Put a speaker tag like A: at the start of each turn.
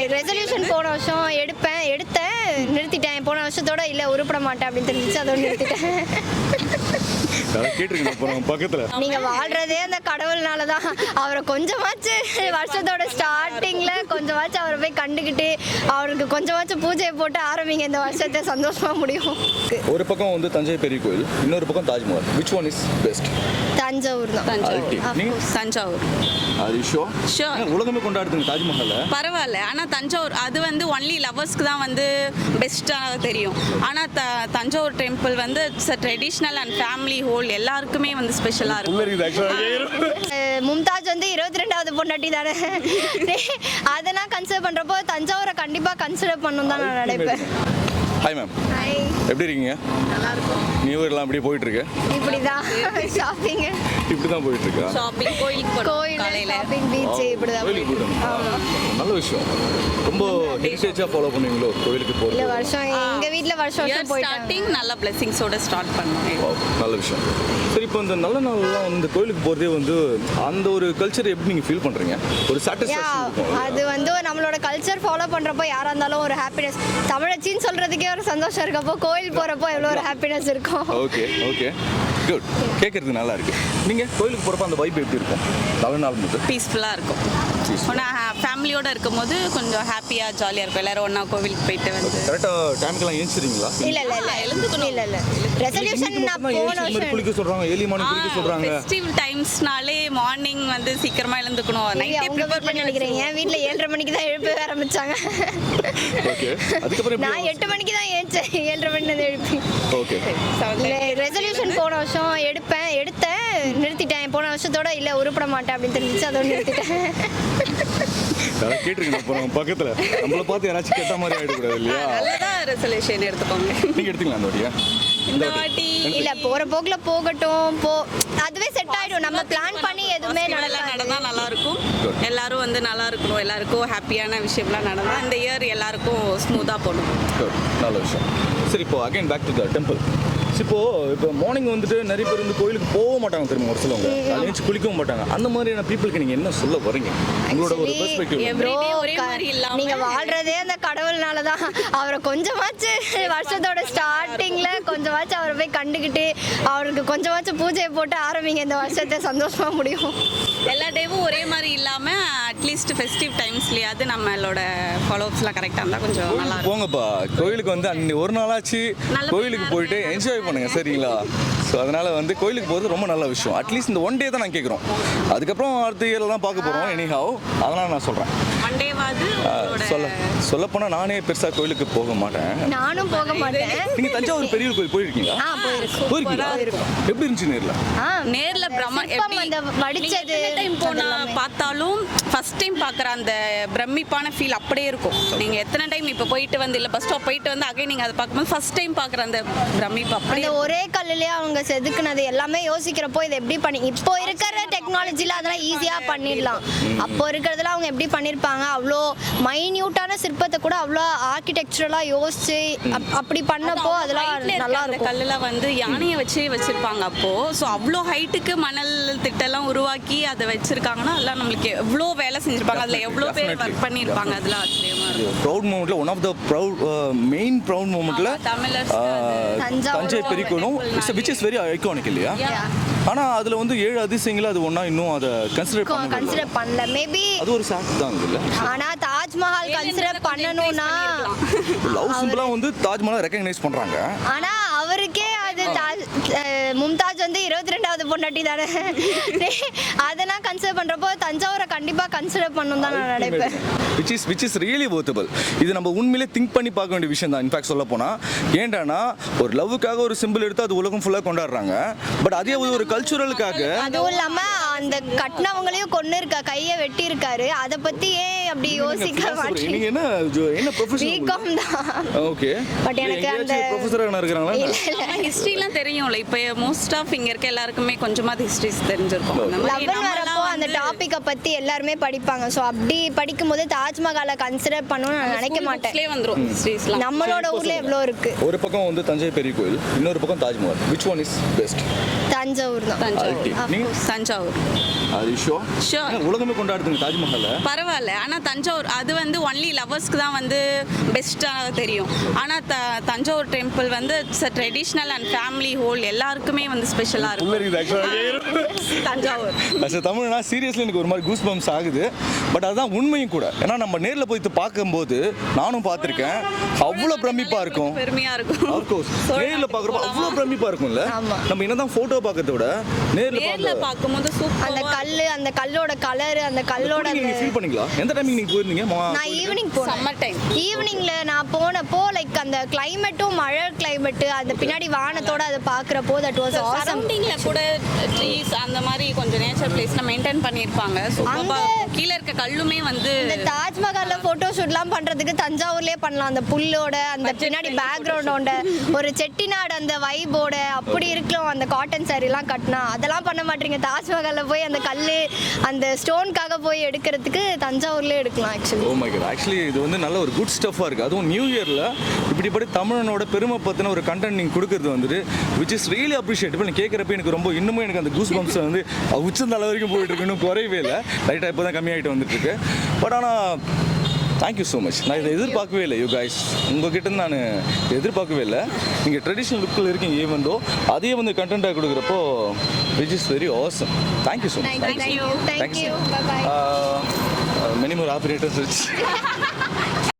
A: Resolution போன வருஷம் எடுத்தேன் நிறுத்திட்டேன். போன வருஷத்தோட இல்லை உருப்பட மாட்டேன் அப்படின்னு தெரிஞ்சிச்சு, அதோட நிறுத்திட்டேன். நீங்க வாழ்றதே அந்த கடவுள்னால தான். அவரை கொஞ்சமாச்சு வருஷத்தோட ஸ்டார்டிங்ல கொஞ்சமாச்சு அவரை போய் கண்டுக்கிட்டு அவருக்கு கொஞ்சமாச்சும் பூஜையை போட்டு ஆரம்பிங்க, இந்த வருஷத்தை சந்தோஷமா முடியும்.
B: ஒரு பக்கம் வந்து தஞ்சை பெரிய கோயில், இன்னொரு பக்கம் Taj Mahal. which one is best?
A: Thanjavur தான்.
C: தஞ்சாவூர்
B: உலகமே கொண்டாடுதுங்க தாஜ்மஹால்.
C: பரவாயில்ல, ஆனால் தஞ்சாவூர் அது வந்து ஒன்லி லவர்ஸ்க்கு தான் வந்து பெஸ்ட்டாக தெரியும். ஆனால் தஞ்சாவூர் டெம்பிள் வந்து it's a traditional and family whole, எல்லாருக்குமே வந்து ஸ்பெஷலாக இருக்கும்.
A: மும்தாஜ் வந்து 22வது பொண்டாட்டி தானே, அதெல்லாம் கன்சிடர் பண்றப்போ தஞ்சாவூரை கண்டிப்பா கன்சிடர் பண்ணணும் தான் நான் நினைப்பேன்.
B: ஹாய் மேம், எப்படி இருக்கீங்க?
C: நல்லா இருக்கும்.
B: நியூ இயர்லாம் இப்படி போயிட்டு இருக்கு?
A: இப்படிதான் ஷாப்பிங்
B: இப்படிதான் போயிட்டு இருக்கா?
C: ஷாப்பிங், கோயில் காலையில
A: ஷாப்பிங், பீச் இப்படிதான்.
B: நல்ல விஷயம். ரொம்ப ஹெரிட்டேஜா ஃபாலோ பண்ணுவீங்களோ கோயிலுக்கு போறது?
A: இல்ல வருஷம் எங்க வீட்ல வருஷம் போயிட்டாங்க.
C: ஸ்டார்டிங் நல்ல பிளெஸிங்ஸோட ஸ்டார்ட் பண்ணுவோம்.
B: நல்ல விஷயம். சரி, இப்போ இந்த நல்ல நாள்லாம் வந்து கோயிலுக்கு போறதே வந்து அந்த ஒரு கல்ச்சர் எப்படி நீங்க ஃபீல் பண்றீங்க? ஒரு சாட்டிஸ்ஃபேக்ஷன் இருக்கும்.
A: அது வந்து நம்மளோட கல்ச்சர் ஃபாலோ பண்றப்போ யாரா இருந்தாலும் ஒரு ஹாப்பினஸ், தமிழச்சின்னு சொல்றதுக்கே ஒரு சந்தோஷம் இருக்கப்போ கோயில் போறப்போ எவ்வளவு ஒரு ஹாப்பினஸ் இருக்கும்.
B: Okay okay good. கேட்கறதுக்கு நல்லா இருக்கு. நீங்க கோயிலுக்கு போறப்ப அந்த வைப் எப்படி இருக்கும்? நல்ல நாள் முதல்
C: பீஸ்ஃபுல்லாக இருக்கும். ஆனால் ஃபேமிலியோட இருக்கும்போது கொஞ்சம் ஹாப்பியாக ஜாலியாக இருக்கும். எல்லாரும் ஒன்றா கோவிலுக்கு போயிட்டு வந்து
B: கரெக்டாக டைமுக்கெல்லாம் ஏஞ்சிடுறீங்களா?
A: இல்ல எழுந்துக்கணும். இல்ல ரெசல்யூஷன் நான் போன வருஷம்
B: குளிக்க சொல்றாங்க, ஏர்லி மார்னிங் குளிக்க சொல்றாங்க.
C: ஃபெஸ்டிவ் டைம்ஸ்னாலே மார்னிங் வந்து சீக்கிரமா எழுந்துக்கணும். நைட்டே ப்ரிப்பேர் பண்ணி
A: நினைக்கிறேன். என் வீட்ல 7:30 மணிக்கு தான் எழுப்ப ஆரம்பிச்சாங்க.
B: ஓகே, அதுக்கப்புறம்
A: நான் 8 மணிக்கு தான் ஏஞ்சேன். 7:30 மணிக்கு தான் எழுப்பி.
B: ஓகே.
A: ரெசல்யூஷன் போன வருஷம் எடுத்தேன் நிறுத்திட்டேன். போன வருஷத்தோட இல்லை உருப்பட மாட்டேன் அப்படின்னு தெரிஞ்சிச்சு, அதோட நிறுத்திட்டேன்.
B: கேட்டிருக்கேன் அப்புறம் பக்கத்துல நம்மள பார்த்து யாராச்சும் கேட்ட மாதிரி ஆயிடக்கூடாது இல்லையா?
C: நல்லதா ரெசல்யூஷன் எடுத்துக்கோங்க.
B: நீங்க எடுத்தீங்களா அந்த வாட்டியா?
C: இந்த வாட்டி
A: இல்ல போற போக்குல போகட்டும், அதுவே செட் ஆயிடும். நம்ம பிளான் பண்ணி எதுவுமே
C: நடந்தா நல்லா இருக்கும். எல்லாரும் வந்து நல்லா இருக்கணும், எல்லாருக்கும் ஹாப்பியான விஷயம்லாம் நடந்தா இந்த இயர் எல்லாருக்கும் ஸ்மூத்தா போகணும்.
B: நல்ல விஷயம். சரி, இப்போ again back to the temple. இப்போ மார்னிங் வந்துட்டு நிறைய பேர் வந்து கோயிலுக்கு போக மாட்டாங்க தெரியுமா? ஒரு சிலவங்க அலைஞ்சு குளிக்கவும் மாட்டாங்க. அந்த மாதிரியான பீப்புளுக்கு நீங்க என்ன சொல்ல வரீங்க? உங்களோட ஒரு பெர்ஸ்பெக்டிவ்.
C: எவ்ரிடே ஒரே மாதிரி இல்லாம
A: நீங்க வாழ்றதே அந்த கடவுள்னால தான். அவரை கொஞ்சமாச்சு வருஷத்தோட ஸ்டார்டிங்ல கொஞ்சமாச்சு அவரை போய் கண்டுக்கிட்டு அவருக்கு கொஞ்சமாச்சும் பூஜையை போட்டு ஆரம்பிங்க, இந்த வருஷத்தை சந்தோஷமா முடியும்.
C: எல்லா டேவும் ஒரே மாதிரி இல்லாம அட்லீஸ்ட் ஃபெஸ்டிவ் டைம்ஸ்லயாவது நம்மளோட ஃபாலோஅப்ஸ்லாம் கரெக்டாக இருந்தால் கொஞ்சம் நல்லா இருக்கும்.
B: போங்கப்பா கோயிலுக்கு வந்து அன்னைக்கு ஒரு நாளாச்சு கோயிலுக்கு போயிட்டு என்ஜாய் பண்ணுங்க, சரிங்களா? ஸோ அதனால வந்து கோயிலுக்கு போகிறது ரொம்ப நல்ல விஷயம். அட்லீஸ்ட் இந்த ஒன் டே தான் நான் கேட்குறோம். அதுக்கப்புறம் அடுத்த இயரில் தான் பார்க்க போகிறோம் எனிஹாவ். அதனால நான் சொல்கிறேன், சொல்லப்போனால் நானே பெருசாக கோயிலுக்கு போக மாட்டேன்.
A: நானும் போக மாட்டேன்.
B: நீங்கள் தஞ்சாவூர் பெரிய கோயில் போயிருக்கீங்களா? போயிருக்கீங்களா? எப்படி இருந்துச்சு
C: நேரில்
A: வடிச்சது
C: டைம் போனால் பார்த்தாலும் ஃபர்ஸ்ட் டைம் பார்க்குற அந்த பிரமிப்பான ஃபீல் அப்படியே இருக்கும். நீங்கள் எத்தனை டைம் இப்போ போயிட்டு வந்து இல்லை பஸ் ஸ்டாப் போயிட்டு வந்து அகைன் நீங்கள் அதை பார்க்கும்போது ஃபர்ஸ்ட் டைம் பார்க்குற அந்த பிரமிப்பு அப்படியே
A: ஒரே கல்லுலேயே அவங்க செதுக்குனது எல்லாமே யோசிக்கிறப்போ இதை எப்படி பண்ணி இப்போ இருக்கிற டெக்னாலஜியில் அதெல்லாம் ஈஸியாக பண்ணிடலாம். அப்போ இருக்கிறதுல அவங்க எப்படி பண்ணியிருப்பாங்க? அவ்வளோ மைன்யூட்டான சிற்பத்தை கூட அவ்வளோ ஆர்கிடெக்சரலாக யோசிச்சு அப்படி பண்ணப்போ அதெல்லாம் நல்லா இருக்கும்.
C: கல்லில் வந்து யானையை வச்சிருப்பாங்க அப்போது. ஸோ அவ்வளோ ஹைட்டுக்கு மணல் திட்டெல்லாம் உருவாக்கி அதை வச்சிருக்காங்கன்னா அதெல்லாம் நம்மளுக்கு எவ்வளோ வேலை செஞ்சிருப்பாங்க, அதில் எவ்வளோ பேர் ஒர்க் பண்ணியிருப்பாங்க. அதெல்லாம் ஆச்சரியமா இருக்கும்.
B: ப்ரௌட் மூமெண்ட்ல one of the main proud மூமெண்ட்ல தஞ்சை பெரிய கோயிலும் which is very iconic இல்லையா? ஆனா அதுல வந்து 7 அதிசயங்கள் அது ஒண்ணா இன்னும் அதை கன்சிடர்
A: பண்ணல. மேபி
B: அது ஒரு சாக்ட் தான் இல்ல.
A: ஆனா தாஜ்மஹால் கன்சிடர் பண்ணனும்னா
B: லவ் சிம்பிளா வந்து தாஜ்மஹால் ரெகக்னைஸ் பண்றாங்க.
A: ஆனா அவருக்கே அது மும்தாஜ் வந்து 22வது பொண்டாட்டி தானே, அதெல்லாம் கன்சிடர் பண்றப்போ தஞ்சாவூரை கண்டிப்பா கன்சிடர் பண்ணணும் தான் நான் நினைப்பேன்.
B: which is really worthable. இது நம்ம உண்மையிலே திங்க் பண்ணி பார்க்க வேண்டிய விஷயம் தான். இன்ஃபேக்ட் சொல்ல போனா ஏன்டானா ஒரு லவ்வுக்காக ஒரு சிம்பிள் எடுத்து அது உலகம் ஃபுல்லா கொண்டாடுறாங்க. பட் அதே ஒரு கல்ச்சுரலுக்காக
A: அதுவும் இல்லாம அந்த கட்டினவங்களையும் கொண்டு இருக்க கையை வெட்டி இருக்காரு. அதை பத்தி ஏன் அப்படி யோசிக்க மாட்டீங்க?
B: நீங்க என்ன ப்ரொஃபஷனல்?
A: பிகாம் தான்.
B: ஓகே,
A: பட் எனக்கு அந்த
B: ப்ரொஃபசரா இருக்காங்களா?
C: ஹிஸ்டரிலாம் தெரியும்ல. இப்போ மோஸ்ட் ஆஃப் இங்க இருக்க எல்லாருக்குமே கொஞ்சமாவது ஹிஸ்டரிஸ் தெரிஞ்சிருக்கும்.
A: லவ் வரப்போ அந்த டாப்பிக்கை பற்றி எல்லாருமே படிப்பாங்க. ஸோ அப்படி படிக்கும்போது தாஜ்மஹாலை கன்சிடர் பண்ணணும்னு நான் நினைக்க மாட்டேன்.
C: வந்துரும் ஹிஸ்ட்ரிஸ்லாம்.
A: நம்மளோட ஊர்ல எவ்வளோ இருக்கு.
B: ஒரு பக்கம் வந்து தஞ்சை பெரிய கோயில், இன்னொரு பக்கம் Taj Mahal. Which one is best?
A: Thanjavur தான்.
C: தஞ்சாவூர்.
B: அது
C: Sure.
B: உலகமே கொண்டாடுதுங்க தாஜ்மஹாலை.
C: பரவாயில்ல, ஆனால் தஞ்சாவூர் அது வந்து ஒன்லி லவர்ஸ்க்கு தான் வந்து பெஸ்ட்டாக தெரியும். ஆனால் தஞ்சாவூர் டெம்பிள் வந்து it's traditional and family whole எல்லாருக்குமே வந்து ஸ்பெஷலாக இருக்கும். தஞ்சாவூர்
B: தமிழ்னா சீரியஸ்லி எனக்கு ஒரு மாதிரி கூஸ் பம்ப்ஸ் ஆகுது. பட் அதுதான் உண்மையும் கூட. ஏன்னா நம்ம நேரில் போய் பார்க்கும்போது நானும் பார்த்துருக்கேன், அவ்வளோ பிரமிப்பா இருக்கும்.
C: பெருமையாக இருக்கும்.
B: நேரில் பார்க்குறப்ப அவ்வளோ பிரமிப்பா இருக்கும்ல. நம்ம என்னதான் ஃபோட்டோ பார்க்கறத விட நேரில்
C: பார்க்கும்போது
A: அந்த கல்லு, அந்த கல்லோட கலர், அந்த கல்லோட
B: நீங்க ஃபீல் பண்ணீங்களா? எந்த டைமிங் நீங்க போயிருந்தீங்க?
A: நான் ஈவினிங் போனேன்.
C: சம்மர் டைம்
A: ஈவினிங்ல நான் போனப்போ லைக் அந்த கிளைமேட்டும் மழை கிளைமேட், அந்த பின்னாடி வானத்தோட அதை பார்க்குறப்போ தட் வாஸ் ஆசம்.
C: சரௌண்டிங்ல கூட ட்ரீஸ் அந்த மாதிரி கொஞ்சம் நேச்சர் பிளேஸ்ல மெயின்டைன் பண்ணியிருப்பாங்க. சூப்பரா கீழே இருக்க கல்லுமே வந்து
A: இந்த தாஜ்மஹால்ல போட்டோ ஷூட்லாம் பண்றதுக்கு தஞ்சாவூர்லயே பண்ணலாம். அந்த புல்லோட அந்த பின்னாடி பேக்ரவுண்டோட ஒரு செட்டிநாடு அந்த வைபோட அப்படி இருக்கலாம். அந்த காட்டன் சாரிலாம் கட்டினா அதெல்லாம் பண்ண மாட்டீங்க. தாஜ்மஹால்ல போய் அந்த கல்லு அந்த ஸ்டோனுக்காக போய் எடுக்கிறதுக்கு தஞ்சாவூர்லேயே எடுக்கலாம். Actually
B: oh my God, actually இது வந்து நல்ல ஒரு குட் ஸ்டஃபாக இருக்குது. அதுவும் நியூ இயரில் இப்படிப்படி தமிழனோட பெருமை பற்றின ஒரு கண்டென்ட் நீங்கள் கொடுக்குறது வந்துட்டு விச் இஸ் ரியலி அப்ரிஷியேட். நீ கேட்குறப்ப எனக்கு ரொம்ப இன்னுமே எனக்கு அந்த கூஸ் பம்ப்ஸ் வந்து உச்சந்தலை வரைக்கும் போயிட்டு இருக்கு. இன்னும் குறையவே இல்லை, லைட்டாக இப்போ தான் கம்மியாகிட்டு வந்துட்டு இருக்கு. பட் ஆனால் தேங்க்யூ ஸோ மச். நான் இதை எதிர்பார்க்கவே இல்லை யூ கைஸ். உங்ககிட்ட நான் எதிர்பார்க்கவே இல்லை. நீங்கள் ட்ரெடிஷ்னல் லுக்கில் இருக்கீங்க ஈவன் தோ அதையே வந்து கண்டென்ட்டாக கொடுக்குறப்போ which is very awesome. Thank you so much.
A: Thank you. Bye bye.
B: Many more operators.